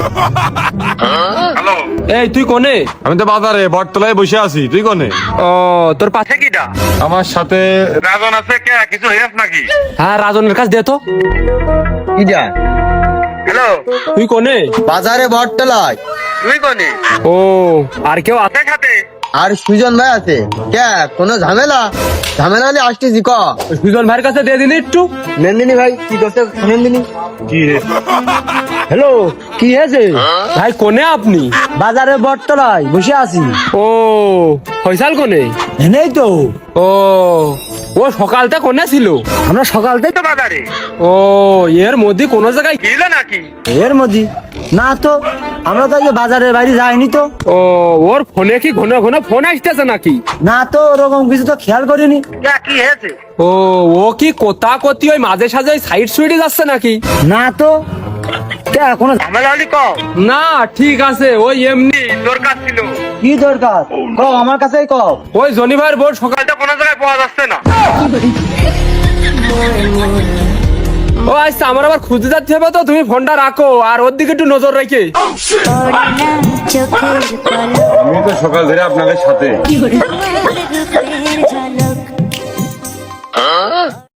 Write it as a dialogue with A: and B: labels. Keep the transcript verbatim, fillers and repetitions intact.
A: Hello,
B: এই তুই কোনে?
C: আমি তো বাজারে বটতলায় বসে আছি, তুই কোনে?
B: ও তোর পাশে
A: সে কিটা?
C: আমার সাথে
A: রাজন আছে কে? কিছু হয়েছ নাকি?
B: হ্যাঁ রাজনের কাছে দে তো।
D: কি যা
A: হ্যালো,
B: তুই কোনে?
D: বাজারে বটতলায়।
A: তুই কোনে?
B: ও আর কেউ আছে?
A: আছে সাথে?
D: আর সুজন ভাই আছে। কে কোনো ঝামেলা? ঝামেলা হলে আসতেছি ক।
B: সুজন ভাইয়ের কাছে দিয়ে দিন একটু।
D: নন্দিনী ভাই কি করতে? নন্দিনী
C: কি রে?
D: হ্যালো, কি হয়েছে?
B: ভাই কোনে আপনি?
D: বাজারে বটতলায় বসে আছি।
B: ও ফয়সাল কোনে?
D: নেই তো,
B: ও ও সকালটা কোনে ছিল?
D: আমরা সকাল থেকে
A: তো বাজারে
B: ও এর মধ্যে কোন জায়গায়?
A: ছিল নাকি?
D: এর মধ্যে না তো, আমরা তো এই বাজারের বাইরে যাইনি তো।
B: ও ওর ফোনে কি ঘন ঘন ফোন আসতেছে নাকি?
D: না তো, ওরকম কিছু তো খেয়াল করিনি।
A: কে কি হয়েছে?
B: ও ও কি কোথা কতি ওই মাঝে সাঝে সাইড সুইডে যাচ্ছে নাকি?
D: না তো, কে কোনো
A: ঝামেলা হলি কও।
B: না ঠিক আছে, ওই এমনি
A: দরকার ছিল।
D: কি দরকার ক, আমার কাছেই ক।
B: ওই জনি ভাইয়ের বোর্ড সকাল।
A: কালটা কোনো জায়গায় পাওয়া যাচ্ছে না।
B: ও আচ্ছা আমার আবার খুঁজে যাচ্ছে হবে, তো তুমি ফোনটা রাখো আর ওর দিকে একটু নজর রেখে।
C: আমি তো সকাল ধরে আপনাদের সাথে।